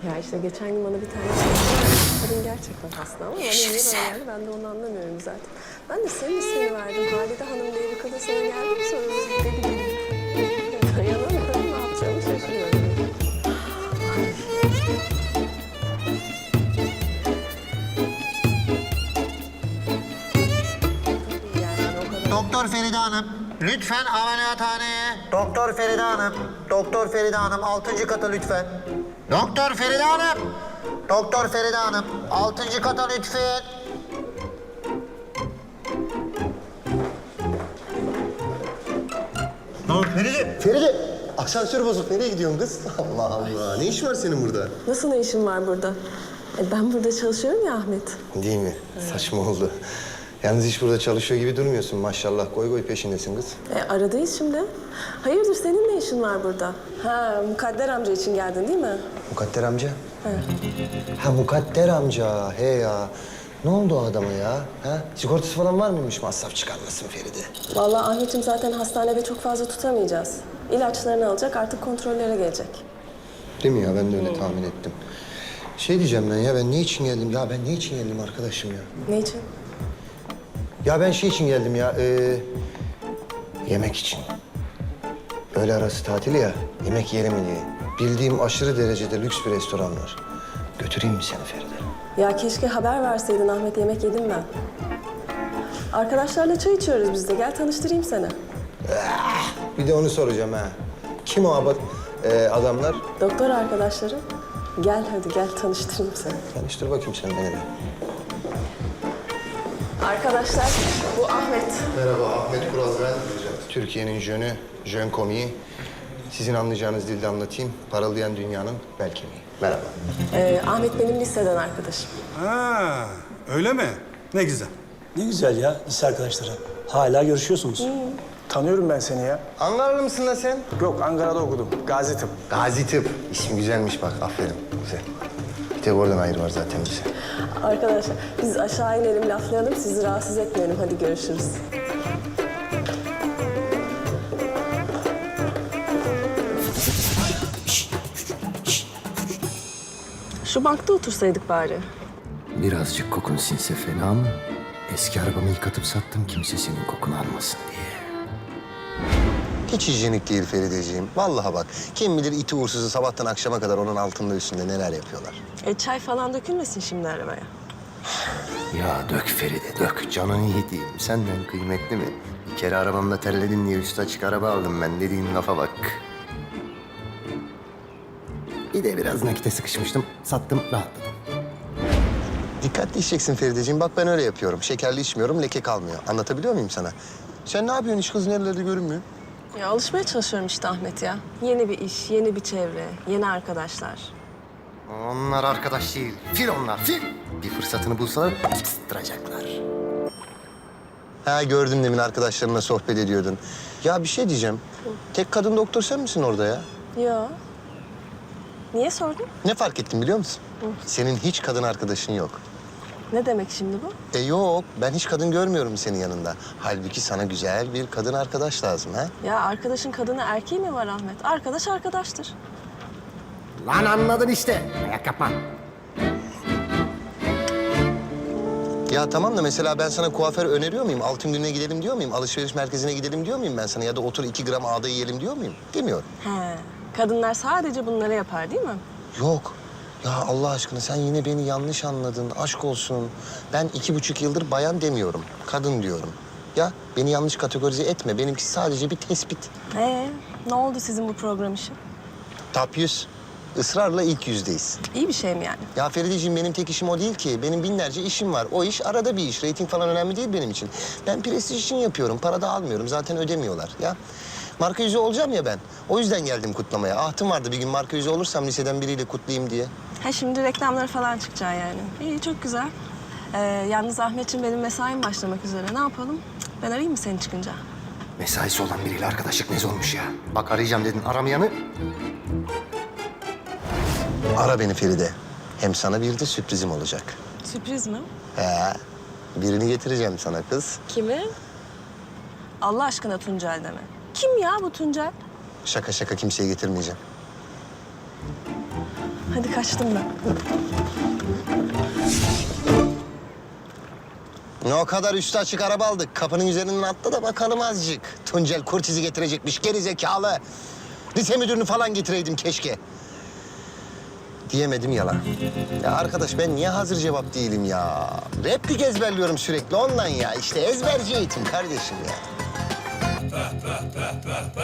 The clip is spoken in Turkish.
Ya işte geçen gün bana bir tane kadın gerçekten hasta ama bana niye böyle geldi ben de onu anlamıyorum zaten. Ben de senin ismini verdim. Halide Hanım diye bir kadın sana geldi mi sonra dedi gibi. Dayanamıyorum, ne yapacağımı şaşırıyorum. Yani o kadar... Doktor Feride Hanım, lütfen ameliyathaneye. Doktor Feride Hanım, Doktor Feride Hanım 6. kata lütfen. Doktor Feride Hanım, Doktor Feride Hanım 6. kata lütfen. Feride, Feride. Asansör bozuk. Nereye gidiyorsun kız? Allah Allah. Ne iş var senin burada? Nasıl ne işin var burada? Ben burada çalışıyorum ya Ahmet. Değil mi? Saçma oldu. Yalnız hiç burada çalışıyor gibi durmuyorsun maşallah. Koy koy peşindesin kız. Aradayız şimdi. Hayırdır senin ne işin var burada? Ha Mukadder amca için geldin değil mi? Mukadder amca? Ha Mukadder amca. He ya. Ne oldu o adama ya? Ha? Sigortası falan var mıymış? Masraf çıkarmasın Feride. Vallahi Ahmet'im zaten hastanede çok fazla tutamayacağız. İlaçlarını alacak artık kontrollere gelecek. Değil mi ya? Ben de öyle tahmin ettim. Şey diyeceğim ben ya, ben ne için geldim? Ya ben ne için geldim arkadaşım ya? Ne için? Ya ben şey için geldim ya, yemek için. Öğle arası tatil ya, yemek yiyelim diye. Bildiğim aşırı derecede lüks bir restoran var. Götüreyim mi seni Feride? Ya keşke haber verseydin Ahmet, yemek yedim ben. Arkadaşlarla çay içiyoruz biz de. Gel tanıştırayım seni. Bir de onu soracağım ha. Kim o adamlar? Doktor arkadaşlarım. Gel hadi gel tanıştırayım seni. Tanıştır bakayım sen beni de. Arkadaşlar bu Ahmet. Merhaba, Ahmet Kural ben. Türkiye'nin jön komiği. Sizin anlayacağınız dilde anlatayım. Parıldayan dünyanın bel kemiği. Merhaba. Ahmet benim liseden arkadaşım. Ha, öyle mi? Ne güzel. Ne güzel ya lise arkadaşları. Hala görüşüyorsunuz. Tanıyorum ben seni ya. Ankaralı mısın lan sen? Yok, Ankara'da okudum. Gazi Tıp. Gazi Tıp. İsim güzelmiş bak, aferin. Güzel. Bir tek oradan ayrı var zaten bize. Arkadaşlar biz aşağı inelim laflayalım sizi rahatsız etmeyelim. Hadi görüşürüz. Şu bankta otursaydık bari. Birazcık kokun sinse fena mı? Eski arabamı yıkatıp sattım kimse senin kokunu almasın diye. Hiç hijyenik değil Ferideciğim. Vallahi bak, kim bilir iti uğursuzu sabahtan akşama kadar onun altında üstünde neler yapıyorlar. Çay falan dökülmesin şimdi arabaya. Ya dök Feride dök canını yediğim senden kıymetli mi? Bir kere arabamda terledin diye üstü açık araba aldım ben dediğin lafa bak. Bir de biraz nakite sıkışmıştım sattım rahatladım. Dikkatli içeceksin Ferideciğim. Bak ben öyle yapıyorum. Şekerli içmiyorum, leke kalmıyor. Anlatabiliyor muyum sana? Sen ne yapıyorsun? Hiç kız nerelerde görünmüyor. Ya alışmaya çalışıyorum işte Ahmet ya. Yeni bir iş, yeni bir çevre, yeni arkadaşlar. Onlar arkadaş değil fil onlar fil. Bir fırsatını bulsalar pıstıracaklar. Ha gördüm demin arkadaşlarınla sohbet ediyordun. Ya bir şey diyeceğim. Tek kadın doktor sen misin orada ya? Ya. Niye sordun? Ne fark ettim biliyor musun? Senin hiç kadın arkadaşın yok. Ne demek şimdi bu? Yok, ben hiç kadın görmüyorum senin yanında. Halbuki sana güzel bir kadın arkadaş lazım ha? Ya arkadaşın kadını erkeği mi var Ahmet? Arkadaş arkadaştır. Lan anladın işte. Ayak yapma. Ya tamam da mesela ben sana kuaför öneriyor muyum? Altın gününe gidelim diyor muyum? Alışveriş merkezine gidelim diyor muyum ben sana? Ya da otur 2 gram ağda yiyelim diyor muyum? Demiyorum. He. Kadınlar sadece bunları yapar değil mi? Yok. Ya Allah aşkına sen yine beni yanlış anladın. Aşk olsun. Ben 2,5 yıldır bayan demiyorum. Kadın diyorum. Ya beni yanlış kategorize etme. Benimki sadece bir tespit. Ne oldu sizin bu program işi? Top 100. Israrla ilk yüzdeyiz. İyi bir şey mi yani? Ya Ferideciğim benim tek işim o değil ki. Benim binlerce işim var. O iş arada bir iş. Reyting falan önemli değil benim için. Ben prestij için yapıyorum. Para da almıyorum. Zaten ödemiyorlar. Ya marka yüzü olacağım ya ben. O yüzden geldim kutlamaya. Ahtım vardı bir gün marka yüzü olursam liseden biriyle kutlayayım diye. Ha şimdi reklamlara falan çıkacaksın yani. İyi çok güzel. Yalnız Ahmetciğim benim mesaim başlamak üzere. Ne yapalım? Ben arayayım mı seni çıkınca? Mesaisi olan biriyle arkadaşlık ne olmuş ya? Bak arayacağım dedin aramayanı. Ara beni Feride. Hem sana bir de sürprizim olacak. Sürpriz mi? Birini getireceğim sana kız. Kimi? Allah aşkına Tuncel deme. Kim ya bu Tuncel? Şaka şaka kimseye getirmeyeceğim. Hadi kaçtım ben. Ne o kadar üstü açık araba aldık. Kapının üzerinden atla da bakalım azıcık. Tuncel Kurtiz'i getirecekmiş geri zekalı. Lise müdürünü falan getireydim keşke. Diyemedim yalan. Ya arkadaş ben niye hazır cevap değilim ya? Replik ezberliyorum sürekli ondan ya. İşte ezberci eğitim kardeşim ya.